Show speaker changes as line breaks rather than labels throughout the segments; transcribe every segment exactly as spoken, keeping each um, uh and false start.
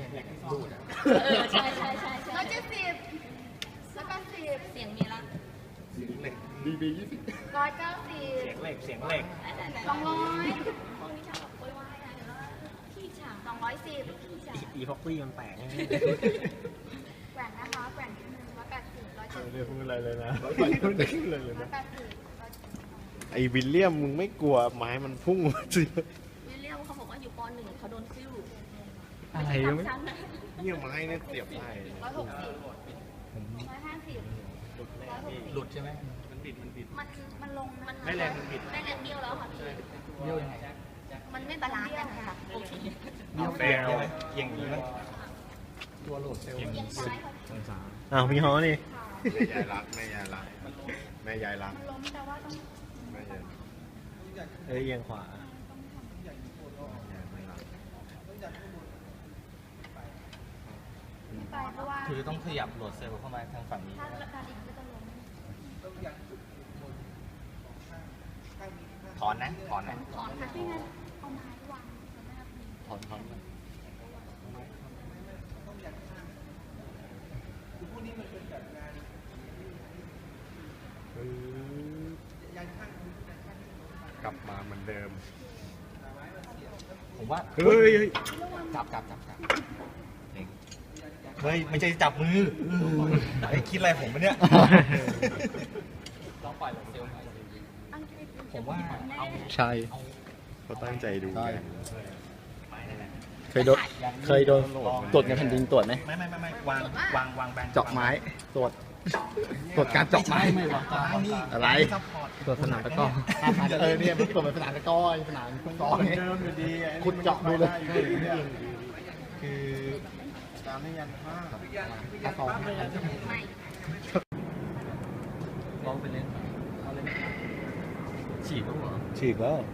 ดูดเออใช่ใช่ใช่ใช่ร้อยเจ็ดสิบร้อยแปดสิบเสียงมีละ
เสียงเหล็กดีบียี่สิบ
ร้อยเก้าสิบ
เสียงเหล็กเสียงเหล็ก
สองร้อยพวกนี้ชอบแบบโวยวายนะเดี๋ยวขี้ฉางสองร้อยสิบ
อีพ็อกซี่มันแตก
แกว่งนะคะแกว่งนิดนึงร้อยแปดสิบร้อยเจ็ดสิบ
ไม่ได้พูดอะไรเลยนะร้อยแปดสิบเลยเลยนะ
ร้อยแปดสิบ
ไอ้วิลเลียมมึงไม่กลัวไม้มันพุ่งมาสิ
วิลเลียมเขาบอกว่าอยู่ปหนึ่งเขาโดนซิ่ว
อะไรไม่เนี่ยไม้เนี่ยเสียบได้
ร้อยหกสิบร้อยห้าสิบ
หลุดใช่ไหม
มันบิดมันบิดมันมันลงมัน
ไม่แรงมันบิด
ไม่แรงเบี้ยวแล้วค่ะพี่
เบี้ยวยังไง
มันไม่บาลานซ์กันค่ะโอเค
เบี้ยวแรงใช่ไหมเอียงนี้ไหมตัวโหลดเซลล์องศาอ้าวพี่ฮอนี่
แม่ยายรักแม่ยายรักแม่ยายรัก
มันล้มแต่ว่าต้อง
แม่ยาย
เอ้ยเอียงขวาคือต้องขยับโหลดเซลล์เข้ามาทางฝั่งนี้ถอนนะถอนนะ
ถอนค่ะพี่งั้นเอาไม้วาง
ถอนถอน
กลับมาเหมือนเดิม
ผมว่า
เฮ้ย
จับจับจับจับเฮ้ยไม่ใช่จับมือไอ้คิดอะไรผมปะเนี่ยลองปล่อยเซลล์ผมว่าเอา
ใช่เขาตั้งใจดูไง
เคยโดนเคยโดนตรวจงานแผ่นดินตรวจไหม
ไม่ไม่ไม่ไม่วางวางวางแบน
เจาะไม้ตรวจตรวจการเจาะไม้ไม่วางอะไรตรวจสนามตะก้อเออเนี่ยมันตรวจสนามตะก้อสนามตะก้อเนี่ยคุณเจาะดูเลย
คือ
การไม่ยันผ้า
ถ้าสองลองไปเล่นฉีกแล้วเหรอ
ฉีกแล้ว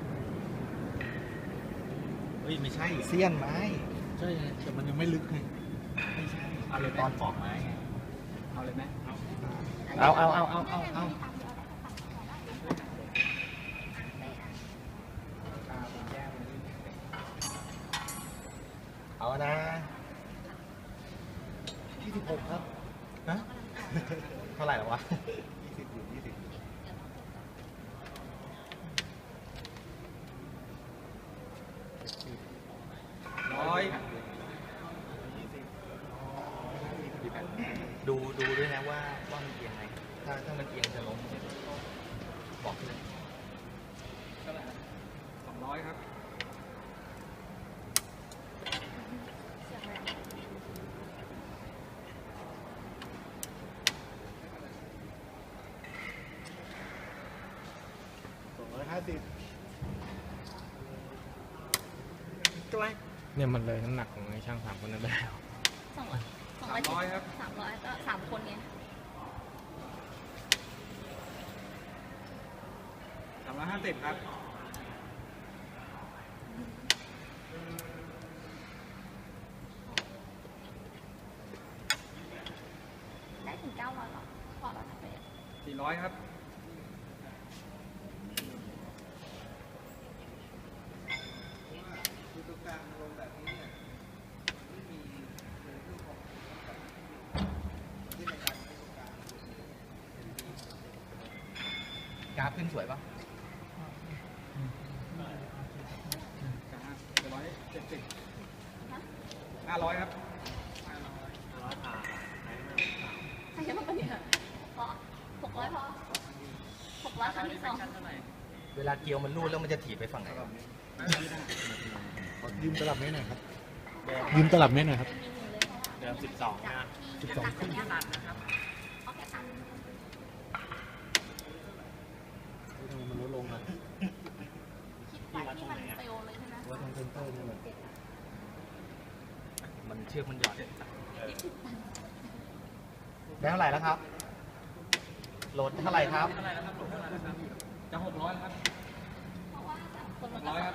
เฮ้ยไม่ใช่เสี้ยนไม้
ใช่แต่มันยังไม่ลึกไง
ไม่ใช่เอาเลยตอนปอกไม้เอาเลยไหม
เอาเอาเอาเอาเอาเอา
เอานะยี่สิบหกครับฮะเท่าไหร่แล้ววะ
ยี่สิบอยู่ยี่สิบ
ร้อยดูดูด้วยนะว่าว่ามันเอียงไงถ้าถ้ามันเอียงจะล้มบอกเลยสองร้อยครับ
สองร้อยห้าสิบ
ใช่ไหม
เนี่ยมันเลยน้ำหนักของไอ้ช่างสามคนนั้นไปแล้ว
สองร้อยสองร้อยครับสามร้อยก็สามคนไง
สามร้อยห้าสิบครับ
ได้ถึงเก้าร้อยหรอพอแล้วนะเป็น
สี่ร้อยครับกราฟขึ้นสวยป่ะร้อยเจ็ดสิบห้าร้อยครับห้าร้อยผ่า
ใช่ไหมเนี่ยพอหกร้อยพอหกร้อยครั้งที่สอง
เวลาเกียวมันรูดแล้วมันจะถีบไปฝั่งไหน
ยืมตลับเมตรหน่อยครับยืมตลับเมตรหน่อยครับ
เดิมสิบสองนะ
สิบสองขึ้นมันลดลงอ่ะ
คิดไปที่มันเฟลเลยใช่ไหม
ว่าทางเซนเตอร์นี่มัน
มันเชือกมันหย่อนได้เท่าไหร่แล้วครับโหลดเท่าไหร่ครับจะหกร้อยครับหกร้อยครับ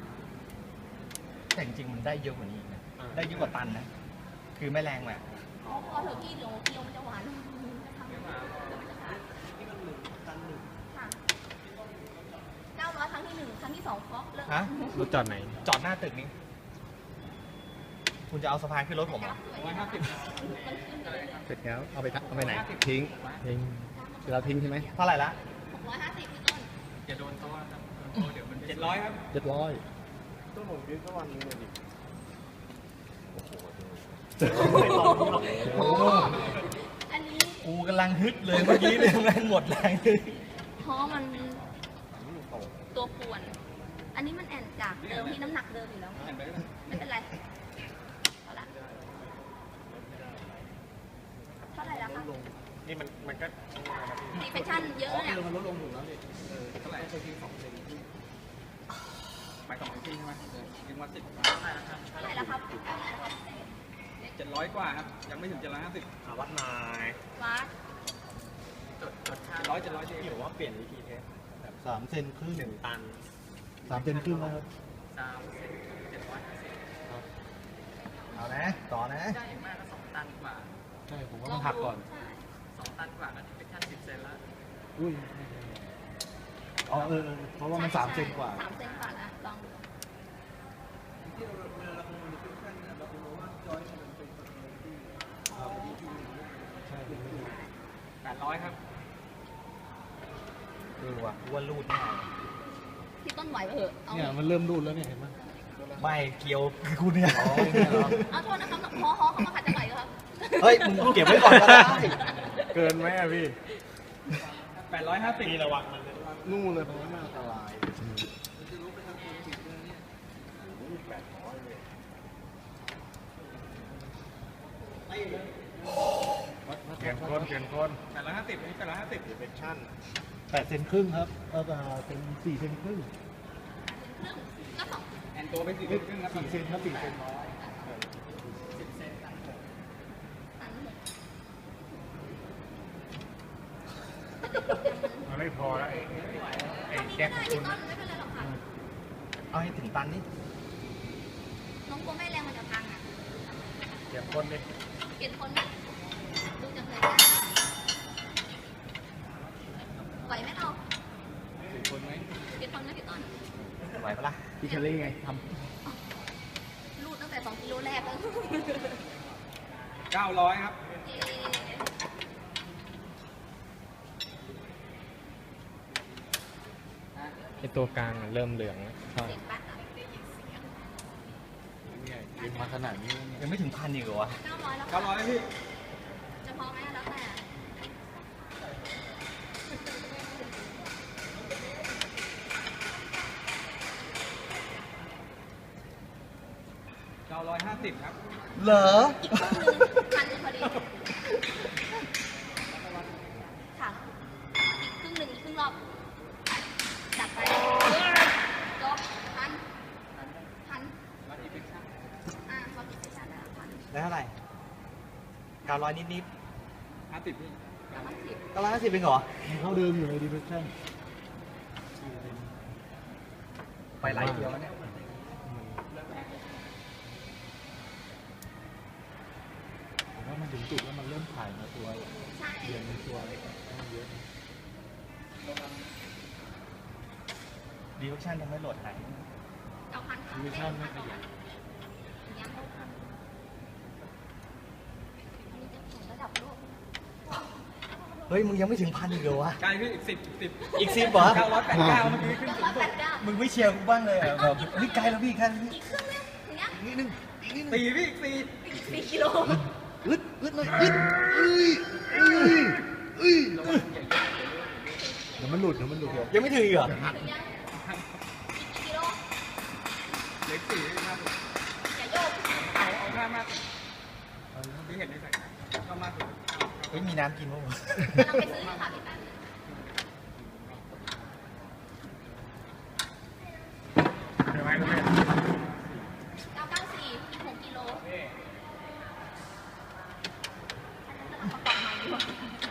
แต่จริงๆมันได้เยอะกว่านี้นะได้เยอะกว่าตันนะคือไม่แรงแหละ
พอเถอะพี่เดี๋ยวเกี๊ยวมันจะหวานเก้าร้อยครั้งที่หนึ่งครั้งที่สองก็เลิก
ฮะ
รถจอดไหน
จอดหน้าตึกนี้คุณจะเอาสะพานขึ้นรถผมเหรอ
ร้อยห้าสิบ
เสร็จแล้วเอาไปทะเอาไปไหนทิ้งทิ้งเดี๋ยวเราทิ้งใช่ไหม
เท่าไหร่ละ
หกร้อยห้าสิบพี่ต้น
อย่าโดนเขาว่าครับเดี๋ยวมันเจ็ดร้อยครับ
เรียบร้อย
ต้องผมคิดสักวันหนึงเลยดิ
โอ้โห
อันนี้
กูกำลังฮึดเลยเมื่อกี้เลยแม่งหมดแรงเลย
เพราะมันตัวป่วน อันนี้มันแอนจากเดิมที่น้ำหนักเดิมอยู่แล้ว ไม่เป็นไรเอาละเท่าไหร่แล้วคะ
นี่มันมันก็
ดีเฟคชั่นเยอะเนี่ย
มันลดลงอยู่แล้วนี่เท่าไหร่ไปทีสองเซนไปสองทีใช่ไหมยิงมาสิบ
เท่าไหร่แล้วครับ
เจ็ดร้อยกว่าครับ ยังไม่ถึงเจ็ดร้อยห้าสิบ
อาวัดนาย
มาร์ค
เจ็ดร้อยเจ็ดร้อยเจ็ด
พี่บอกว่าเปลี่ยนวิธีเทส
สามเซนครึ่ง
หนึ่งตัน
สามเซนครึ่งแล้วครับ
สามเซนเจ็ดร้อยห้าสิบ
เอานะ ต่อนะ
ได้มากก็สองตันกว่า
ใช่ผมว่ามันหักก่อน
ใช่
สองตันกว่าก็ที่เป็นขั้นสิบเซนแล้ว
อุ้ยอ๋อเออเออเพราะว่ามันสามเซนกว่า
สามเซนกว่านะลองดู
แปดร้อยครับ
เออว่ะอ้วนรูดแน่
พี่ต้นไหวไปเถอะเอา
เนี่ยมันเริ่มรูดแล้วเนี่ยเห็นไหม
ไม่เกี่ยวคือคุณเนี่ย
อ๋อเนี่ยเหรอ
เอาโทษนะครับฮอฮอเขามาขัดจังไหวเหรอครับ
เฮ้ย มึงเก็บไว้ก่อนก็ได้
เกินไหมอะพี่
แปดร้อยห้าสิบ
พี่ระวังมัน
นู่นเลยเพราะว่ามันอันตราย
เปลี่ยนคนเปลี่ยนคน
แปดร้อยห้าสิบนี่แปดร้อยห้าสิบ
ดีเฟคชั่น
แปดเซนครึ่งครับเออเป็นสี่เซนครึ่ง
ครึ่งก็สอง
แอนตัวไปสี่ครึ่งครับ
สี่เซนครับสี่เซน
ตันหก
มันไม่พอแล้วไอ้ไอ้
ทำนี้
แจ็
ไม่
ค
ได้พี่ต้นไม่เป็นไรหรอกค่ะ
เอาให้ถึงตันนี่
น้องกลัวแม่แรงมันจะพังอ่ะ
เปลี่ยนคนดิ
เปลี่ยนคนนะดูจากเลยนะไหวไหมเรา
สี่คนไหม
เปลี่ยนคนนะพี่ต้น
ไหวปะล่ะ
พี่เคลลี่ไงท
รูดตั้งแต่สองกิโลแรกแล้ว
เก้าร้อยครับ
เอ๊ะ
ไอตัวกลางเริ่มเหลืองแล้ว
เสียงปัดอ่ะ
เนี่ยยิงมาขนาดนี้เนี่ย
ยังไม่ถึงพันอีกเหรอวะ
เก้าร้อยแล้ว
เก้าร้อยพี่
จะพอไหมแล้วแต่
เก้าร้อยห้าสิบครับ
เหรอ
อีกครึ่งหนึงพันหนึ่งพอดีค่ะอีกครึ่งหนึ่งอีกครึ่งรอบดับไปจบพันพัน
วัดอีฟิคชั่น
อ่าพอติดไปชันแล้วพัน
ได้เท่าไหร่เก้าร้อยนิด
ห้าสิบพี่
แล้วมันสิบ
ๆเก้าร้อยห้าสิบเป็นเหรอ
มันเท่าเดิมอยู่เลยดีเฟคชั่น
ไปหลายเที่ยวแล้วเนี่ย
ผมว่ามันถึงจุดแล้วมันเริ่มถ่ายมาตัว
ใช่
เรียนเป็นตัวอะไรมันเยอะ
ดีเวอร์ชันยังไม่โหลดไหน
เอาพันค่ะ
ดีเฟคชั่นไม่ขยัน
ยังเอาพันอันนี้จะถึงระดับโลก
เฮ้ย มึงยังไม่ถึงพันอีกเหรอวะ
ใกล้พี่อีกสิบสิบ
อีกสิบเหรอ
เก้าร้อยแปดเก้าเมื่อกี้ขึ้น
เก้า
สู
ร้อง ย
สุ
แป
ด
ดเก้า
มึงไม่เชียร์กูบ้างเลยเหรอแบบเฮ้ยไกลแล้วพี่แค่นี้
อีกครึ่งนึงถึงยัง
นิดนึงอีกนิดนึง
สี่พี่อีกสี่
อีกสี่กิโล
อึดอึดหน่อยอึดเอ้ยเอ้ยเอ้ยเดี๋ยวมันหลุดเดี๋ยวมันหลุดเดี๋ยว
ยังไม่ถึงอีกเหรอ
ถึงยังอีกกี่กิโล
เหล็กสี่พี่มากสุด
อย่าโยก
เอาเอาข้ามมากสุดพี่เห็นในใส่เข้ามากสุด
เฮ้ย มีน้ำกินมั้งวะ
กำลังไปซื้ออยู่ค่ะพี่แป๊บ
ใช่ไหมคุณแม่
เก้าเก้าสี่อีกหกกิโลอันนั้นกำลังประกอบใหม่อยู่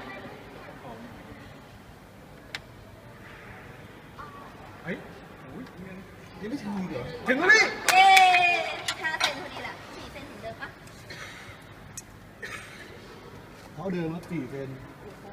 เฮ้ยโอ้ยเงิน
ยังไม่ถึงอีกเหรอ
ถึงแล้วพี่
เอ๊ห้าเซนพอดีแหละสี่เซนเหมือนเดิมปะ
เท่าเดิมครับสี่เซน
โอ้โห